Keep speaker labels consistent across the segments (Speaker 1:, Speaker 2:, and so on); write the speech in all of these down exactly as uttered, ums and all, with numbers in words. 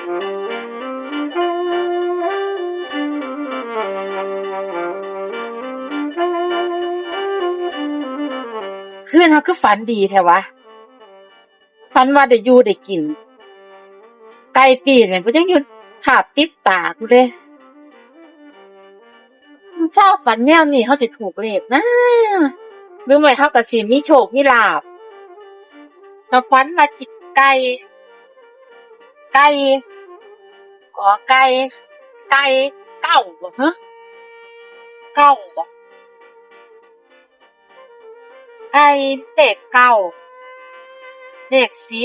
Speaker 1: คืนเขาคือฝันดีแท้วะฝันว่าได้อยู่ได้กินไก่ปีกเนี่ยกูยังอยู่ภาพติดตากูเลยชอบฝันแนวนี้เขาสิถูกเลขนะหรือไม่เขาก็สิมีโชคมีลาภถ้าฝันว่ากินไก่ไก่ขอไก่ไก่เก้าบ่ฮะเก้าบ่ไก่เลขเก้าเลขสิบ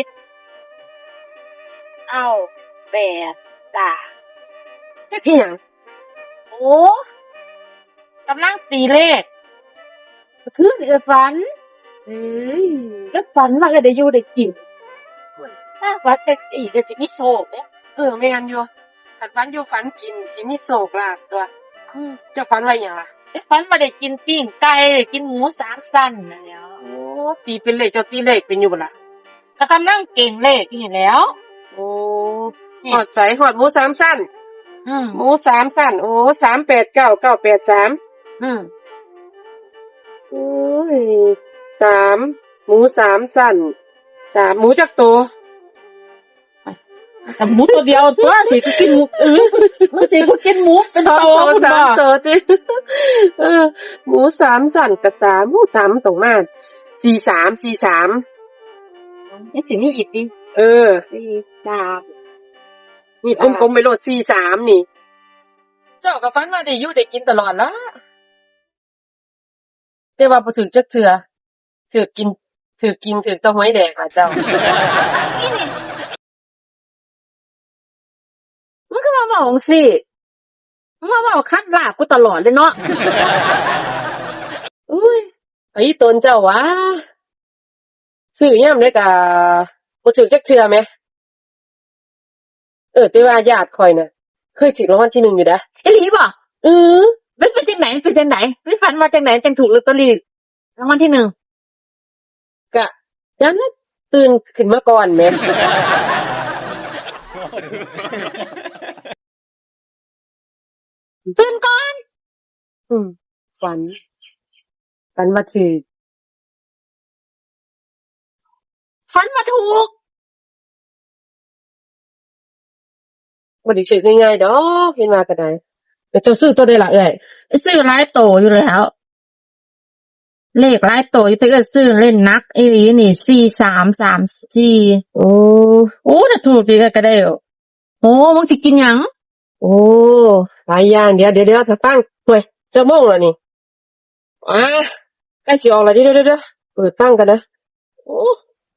Speaker 1: เอ้าแปดจ้ะ
Speaker 2: จักอิหยัง
Speaker 1: โอ้กำลังตีเลขคือเออฝันเอ้ยก็ฝันว่าก็ได้อยู่ได้กินถ้าฝันจังซี่ก็สิมีโชคเด้
Speaker 2: เออแม่นอยู่คันฝันอยู่ฝันกินสิมีโชคลาภตัว
Speaker 1: อืม
Speaker 2: เจ้าฝันว่าหยังล่ะ
Speaker 1: ฝันว่าได้กินปิ้งไก่ได้กินหมูสามชั้นนั่นแหล้ว
Speaker 2: โอ้ตีเป็นเลขเจ้าตีเลขเป็นอยู่บ่ล่ะ
Speaker 1: ก็กำลังเก่งเลขอยู่นี่แหล้ว
Speaker 2: โอ้ฮอดไสฮอดหมูสามชั้น
Speaker 1: อืม
Speaker 2: หมูสามชั้นโอ้สามแปดเก้า เก้าแปดสาม
Speaker 1: อืม
Speaker 2: โอ้ยสามหมูสามชั้นสามหมูจักตัว
Speaker 1: แต่หมูตัวเดียวตัวสิก็กินหมูเออมันสิก็กินหมูเป็นโตพุ่นบ่
Speaker 2: สามตัวติเออหมูสามชั้นกับสามหมูสามตรงมาสี่สาม สี่สาม
Speaker 1: ยังสิมีอีกดิ
Speaker 2: เออ
Speaker 1: สี่สาม
Speaker 2: นี่กลมๆไปโลดสี่สามนี่เจ้าก็ฝันว่าได้อยู่ได้กินตลอดละแต่ว่าบ่ถึกจักเทื่อถึกกินถึกกินถึกแตะหวยแดงล่ะเจ้า
Speaker 1: อีนี่มันก็มาเว้าจังซี่มันมาเว้าคัดลาบกูตลอดเลยเนาะ
Speaker 2: อุ้ยไอ้ตนเจ้าวะซื้อยามใดก็บ่ถึกจักเทื่อแหมเออแต่ว่าญาติข่อยน่ะเคยถูกรางวัลที่หนึ่งอยู่เด้อ
Speaker 1: อีหลีบ่
Speaker 2: เออ
Speaker 1: มันเป็นจังไหนเป็นจังไหนมันฝันว่าจังไหนจังถูกลอตเตอรี่รางวัลที่หนึ่ง
Speaker 2: ก็ยามนั้นตื่นขึ้นมาก่อนแหม
Speaker 1: ตื่นก่อน
Speaker 2: อืมฝันฝันว่าถูก
Speaker 1: ฝันว่าถูก
Speaker 2: บ่ได้ซื้อง่ายๆดอกเห็นว่าก็ได้แต่เจ้าซื้อตัวใดล่ะเอ้ย
Speaker 1: ซื้อหลายโตอยู่แล้วเลขหลายโตอยู่แต่ก็ซื้อเล่นนักอีหลีนี่สี่สามสามสี่
Speaker 2: โอ้
Speaker 1: โอ้ถ้าถูกดีก็ได้โอ้มึงสิกินหยัง
Speaker 2: โอ้หลายอย่างเดี๋ยวเดี๋ยวๆถ้าตั้งเฮ้ยจะโมงแล้วนี่อ่าใกล้สิออกแล้วเดี๋ยวๆๆเปิดตั้งกันนะโอ้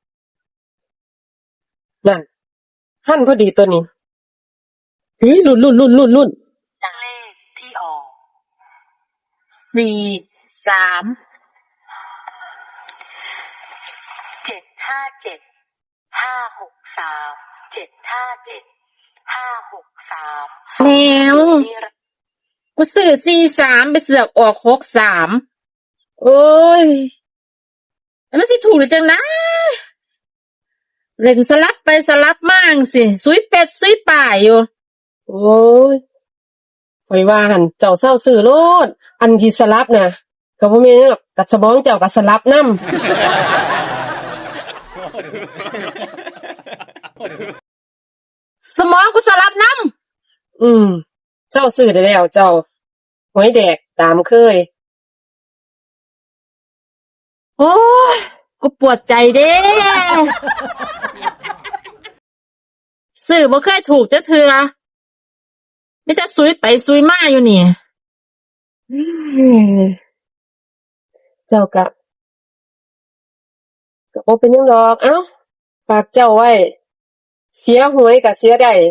Speaker 2: นั่นทันพอดีตัวนี้เฮ้ยลุ้นๆๆๆๆ
Speaker 1: เลขที่ออกสี่สามเจ็ดห้าเจ็ด ห้าหกสาม เจ็ดห้าเจ็ด ห้าหกสามแล้วกูซื้อสี่สามไปเสือกออกหกสาม
Speaker 2: โอ้ย
Speaker 1: แล้วมันสิถูกหรือจังนะเล่นสลับไปสลับมาจังซี่ซุยเป็ดซุยป่าอยู่
Speaker 2: โอ้ยข่อยว่าหั่นเจ้าเซาซื้อโลดอันที่สลับน่ะก็บ่แม่นหรอกกะสมองเจ้าก็สลับนำ
Speaker 1: สมองกูสลับนำ
Speaker 2: อืมเจ้าซื้อได้แล้วเจ้าหวยแดกตามเคย
Speaker 1: โอ้ยกูปวดใจเด้ซื้อบ่เคยถูกจักเทื่อมีแต่ซุยไปซุยมาอยู่นี่
Speaker 2: เจ้าก็ก็บ่เป็นหยังดอกเอ้าฝากเจ้าไว้เสียหวยก็เสียได้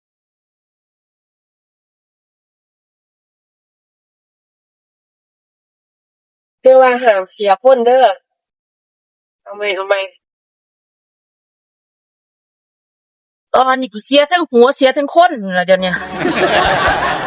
Speaker 2: แต่ว่าห้ามเสียคนเด้อเอาใหม่เอาใหม่
Speaker 1: ตอนนี้กูเสียทั้งหัวเสียทั้งคนล่ะเดี๋ยวนี้